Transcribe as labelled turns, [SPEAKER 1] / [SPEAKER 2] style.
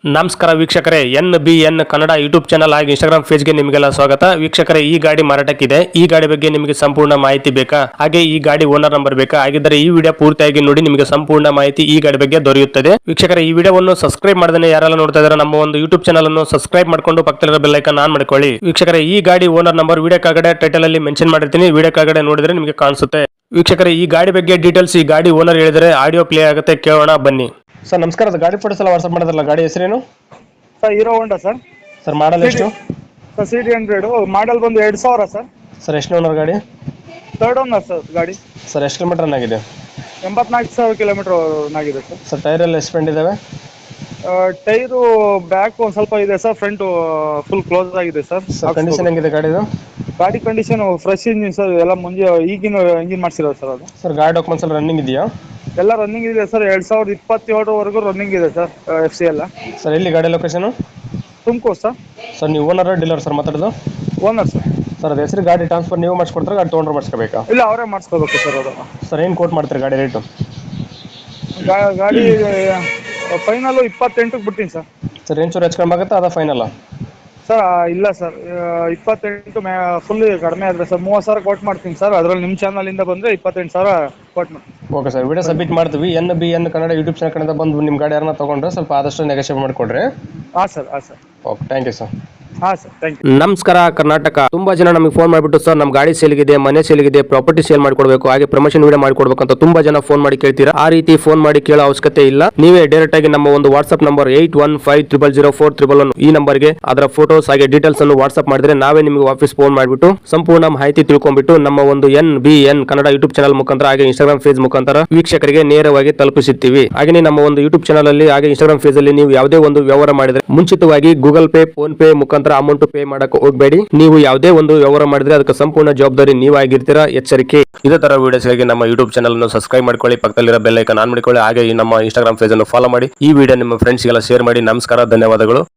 [SPEAKER 1] ನಮಸ್ಕಾರ ವೀಕ್ಷಕರೇ, NBN Kannada YouTube channel ಹಾಗೂ ಇನ್ಸ್ಟಾಗ್ರಾಮ್ ಪೇಜ್ಗೆ ನಿಮಗೆಲ್ಲ ಸ್ವಾಗತ. ವೀಕ್ಷಕರೇ, ಈ ಗಾಡಿ ಮಾರಾಟಕ್ಕಿದೆ. ಈ ಗಾಡಿ ಬಗ್ಗೆ ನಿಮಗೆ ಸಂಪೂರ್ಣ ಮಾಹಿತಿ ಬೇಕಾ, ಹಾಗೆ ಈ ಗಾಡಿ ಓನರ್ ನಂಬರ್ ಬೇಕಾ? ಹಾಗಿದ್ದರೆ ಈ ವಿಡಿಯೋ ಪೂರ್ತಿಯಾಗಿ ನೋಡಿ, ನಿಮಗೆ ಸಂಪೂರ್ಣ ಮಾಹಿತಿ ಈ ಗಾಡಿ ಬಗ್ಗೆ ದೊರೆಯುತ್ತದೆ. ವೀಕ್ಷಕರೇ, ಈ ವಿಡಿಯೋವನ್ನು ಸಬ್ಸ್ಕ್ರೈಬ್ ಮಾಡದೇ ಯಾರೆಲ್ಲ ನೋಡ್ತಾ ಇದ್ದಾರೆ ನಮ್ಮ ಒಂದು ಯೂಟ್ಯೂಬ್ ಚಾನಲ್ ಅನ್ನು ಸಬ್ಸ್ಕ್ರೈಬ್ ಮಾಡ್ಕೊಂಡು ಪಕ್ಕದಲ್ಲಿರೋ ಬೆಲ್ ಐಕಾನ್ ಆನ್ ಮಾಡ್ಕೊಳ್ಳಿ. ವೀಕ್ಷಕರೇ, ಈ ಗಾಡಿ ಓನರ್ ನಂಬರ್ ವಿಡಿಯೋ ಕೆಳಗಡೆ ಟೈಟಲ್ ಅಲ್ಲಿ ಮೆನ್ಷನ್ ಮಾಡಿರ್ತೀನಿ, ವಿಡಿಯೋ ಕೆಳಗಡೆ ನೋಡಿದ್ರೆ ನಿಮಗೆ ಕಾಣಿಸುತ್ತೆ. ವೀಕ್ಷಕರೇ, ಈ ಗಾಡಿ ಬಗ್ಗೆ ಡೀಟೇಲ್ಸ್ ಈ ಗಾಡಿ ಓನರ್ ಹೇಳಿದರೆ ಆಡಿಯೋ ಪ್ಲೇ ಆಗುತ್ತೆ, ಕೇಳೋಣ ಬನ್ನಿ. ಸರ್ ನಮಸ್ಕಾರ, ಗಾಡಿ ಫೋಟೋಸ್ ಎಲ್ಲ ವಾಟ್ಸ್ಆಪ್ ಮಾಡಿದ್ರಲ್ಲ, ಗಾಡಿ ಹೆಸರೇನು
[SPEAKER 2] sir? Hero Honda sir.
[SPEAKER 1] Sir model ಎಷ್ಟು?
[SPEAKER 2] ಸರ್ CD100 ಮಾಡಲ್ ಬಂದು 2000 ಸರ್.
[SPEAKER 1] ಸರ್ ಎಷ್ಟು ಓನರ್ ಗಾಡಿ?
[SPEAKER 2] ಥರ್ಡ್ ಓನರ್ ಸರ್ ಗಾಡಿ.
[SPEAKER 1] ಸರ್ ಎಷ್ಟು ಕಿಲೋಮೀಟರ್ ರನ್ ಆಗಿದೆ?
[SPEAKER 2] 84,000 ಕಿಲೋಮೀಟರ್ ಆಗಿದೆ ಸರ್.
[SPEAKER 1] ಸರ್ ಟೈರ್ ಎಲ್ಲ ಎಷ್ಟು ಸ್ಪೆಂಡ್ ಇದಾವೆ?
[SPEAKER 2] ಟೈರು ಬ್ಯಾಕ್ ಒಂದು ಸ್ವಲ್ಪ ಇದೆ ಸರ್, ಫ್ರಂಟ್ ಫುಲ್ ಕ್ಲೋಸ್ ಆಗಿದೆ ಸರ್.
[SPEAKER 1] ಕಂಡೀಷನ್ ಹೆಂಗಿದೆ ಗಾಡಿದು?
[SPEAKER 2] ಗಾಡಿ ಕಂಡೀಷನ್ ಫ್ರೆಶ್ ಇಂಜಿನ್ ಸರ್, ಎಲ್ಲ ಮುಂಜೆ ಈಗಿನ ಇಂಜಿನ್ ಮಾಡಿಸಿರೋದು ಸರ್ ಅದು.
[SPEAKER 1] ಸರ್ ಗಾಡಿ ಡಾಕ್ಯುಮೆಂಟ್ಸ್ ಎಲ್ಲ ರನ್ನಿಂಗ್ ಇದೆಯಾ?
[SPEAKER 2] ಎಲ್ಲ ರನ್ನಿಂಗ್ ಇದೆ ಸರ್, 2027 ರನ್ನಿಂಗ್ ಇದೆ ಸರ್. FC ಎಲ್ಲ.
[SPEAKER 1] ಸರ್ ಎಲ್ಲಿ ಗಾಡಿ ಲೊಕೇಶನ್?
[SPEAKER 2] ತುಮಕೂರು ಸರ್.
[SPEAKER 1] ಸರ್ ನೀವು ಓನರ್ ಡೀಲರ್ ಸರ್ ಮಾತಾಡೋದು?
[SPEAKER 2] Owner sir.
[SPEAKER 1] ಸರ್ ಅದು ಹೆಸರು ಗಾಡಿ ಟ್ರಾನ್ಸ್ಫರ್ ನೀವು ಮಾಡಿಸ್ಕೊಡ್ತಾರೆ, ಗಾಡಿ ತೊಗೊಂಡ್ರೆ ಮಾಡಿಸ್ಕೋಬೇಕಾ?
[SPEAKER 2] ಇಲ್ಲ, ಅವರೇ ಮಾಡಿಸ್ಕೋಬೇಕು ಸರ್ ಅದು.
[SPEAKER 1] ಸರ್ ಏನು ಕೋಟ್ ಮಾಡ್ತೀರಿ ಗಾಡಿ ರೇಟು?
[SPEAKER 2] ಗಾಡಿ ಫೈನಲ್ಲು 28ಕ್ಕೆ ಬಿಡ್ತೀನಿ ಸರ್.
[SPEAKER 1] ಸರ್ ಏನು ಚೂರು ಹೆಚ್ಕೊಂಡಾಗುತ್ತಾ ಅದ ಫೈನಲ್ಲ?
[SPEAKER 2] ಸರ್ ಇಲ್ಲ ಸರ್, 28 ಫುಲ್ ಕಡಿಮೆ ಆದರೆ ಸರ್ 30,000 ಕೋಟ್ ಮಾಡ್ತೀನಿ ಸರ್. ಅದರಲ್ಲಿ ನಿಮ್ಮ ಚಾನಲಿಂದ ಬಂದರೆ 28,000 ಕೋಟ್ ಮಾಡ್ತೀನಿ.
[SPEAKER 1] ಓಕೆ ಸರ್, ವಿಡಿಯೋ ಸಬ್ಮಿಟ್ ಮಾಡ್ತೀವಿ. NBN ಕನ್ನಡ ಯೂಟ್ಯೂಬ್ ಚಾನಲ್ ಕಡೆಯಿಂದ ಬಂದು ನಿಮ್ಮ ಗಾಡಿ ಯಾರನ್ನ ತೊಗೊಂಡ್ರೆ ಸ್ವಲ್ಪ ಆದಷ್ಟು ನೆಗೋಷಿಯೇಟ್ ಮಾಡಿಕೊಡ್ರಿ.
[SPEAKER 2] ಹಾಂ ಸರ್, ಹಾಂ sir.
[SPEAKER 1] Okay, thank you sir.
[SPEAKER 2] ಹಾಂ ಸರ್, ಥ್ಯಾಂಕ್ ಯು.
[SPEAKER 1] ನಮಸ್ಕಾರ ಕರ್ನಾಟಕ. ತುಂಬಾ ಜನ ನಮಗೆ ಫೋನ್ ಮಾಡಿಬಿಟ್ಟು ಸರ್ ನಮ್ಮ ಗಾಡಿ ಸೇಲ್ಗಿದೆ, ಮನೆ ಸೇಲ್ಗಿದೆ, ಪ್ರಾಪರ್ಟಿ ಸೇಲ್ ಮಾಡಿಕೊಡ್ಬೇಕು, ಹಾಗೆ ಪ್ರಮೋಷನ್ ವಿಡಿಯೋ ಮಾಡಿಕೊಡ್ಬೇಕು ಅಂತ ತುಂಬಾ ಜನ ಫೋನ್ ಮಾಡಿ ಕೇಳ್ತೀರಾ. ಆ ರೀತಿ ಫೋನ್ ಮಾಡಿ ಕೇಳೋ ಅವಶ್ಯಕತೆ ಇಲ್ಲ. ನೀವೇ ಡೈರೆಕ್ಟ್ ಆಗಿ ನಮ್ಮ ಒಂದು ವಾಟ್ಸ್ಆಪ್ ನಂಬರ್ 81500411 ಈ ನಂಬರ್ಗೆ ಅದರ ಫೋಟೋಸ್ ಹಾಗೆ ಡೀಟೇಲ್ಸ್ ಅನ್ನು ವಾಟ್ಸ್ಆಪ್ ಮಾಡಿದ್ರೆ ನಾವೇ ನಿಮಗೆ ವಾಪಸ್ ಫೋನ್ ಮಾಡಿಬಿಟ್ಟು ಸಂಪೂರ್ಣ ಮಾಹಿತಿ ತಿಳ್ಕೊಂಡ್ಬಿಟ್ಟು ನಮ್ಮ ಒಂದು NBN ಕನ್ನಡ ಯೂಟ್ಯೂಬ್ ಚಾನಲ್ ಮುಖಾಂತರ ಹಾಗೆ ಇನ್ಸ್ಟಾಗ್ರಾಮ್ ಪೇಜ್ ಮುಖಾಂತರ ವೀಕ್ಷಕರಿಗೆ ನೇರವಾಗಿ ತಲುಪಿಸುತ್ತೀವಿ. ಹಾಗೆ ನಮ್ಮ ಒಂದು ಯೂಟ್ಯೂಬ್ ಚಾನಲ್ ಅಲ್ಲಿ ಹಾಗೆ ಇನ್ಸ್ಟಾಗ್ರಾಮ್ ಪೇಜ್ ಅಲ್ಲಿ ನೀವು ಯಾವುದೇ ಒಂದು ವ್ಯವಹಾರ ಮಾಡಿದ್ರೆ ಮುಂಚಿತವಾಗಿ ಗೂಗಲ್ ಪೇ, ಫೋನ್ ಪೇ ಮುಖಾಂತರ ಅಮೌಂಟ್ ಪೇ ಮಾಡಕ್ಕೆ ಹೋಗಬೇಡಿ. ನೀವು ಯಾವುದೇ ಒಂದು ವ್ಯವಹಾರ ಮಾಡಿದ್ರೆ ಅದಕ್ಕೆ ಸಂಪೂರ್ಣ ಜವಾಬ್ದಾರಿ ನೀವಾಗಿರ್ತೀರಾ, ಎಚ್ಚರಿಕೆ. ಇದೇ ತರ ವಿಡಿಯೋಸ್ಗಾಗಿ ನಮ್ಮ ಯೂಟ್ಯೂಬ್ ಚಾನಲ್ ಅನ್ನು ಸಬ್ಸ್ಕ್ರೈಬ್ ಮಾಡ್ಕೊಳ್ಳಿ, ಪಕ್ಕದಲ್ಲಿರೋ ಬೆಲ್ ಐಕಾನ್ ಆನ್ ಮಾಡಿಕೊಳ್ಳಿ, ಹಾಗೆ ನಮ್ಮ ಇನ್ಸ್ಟಾಗ್ರಾಮ್ ಪೇಜ್ ಅನ್ನು ಫಾಲೋ ಮಾಡಿ. ಈ ವಿಡಿಯೋ ನಿಮ್ಮ ಫ್ರೆಂಡ್ಸ್ಗೆಲ್ಲ ಶೇರ್ ಮಾಡಿ. ನಮಸ್ಕಾರ, ಧನ್ಯವಾದಗಳು.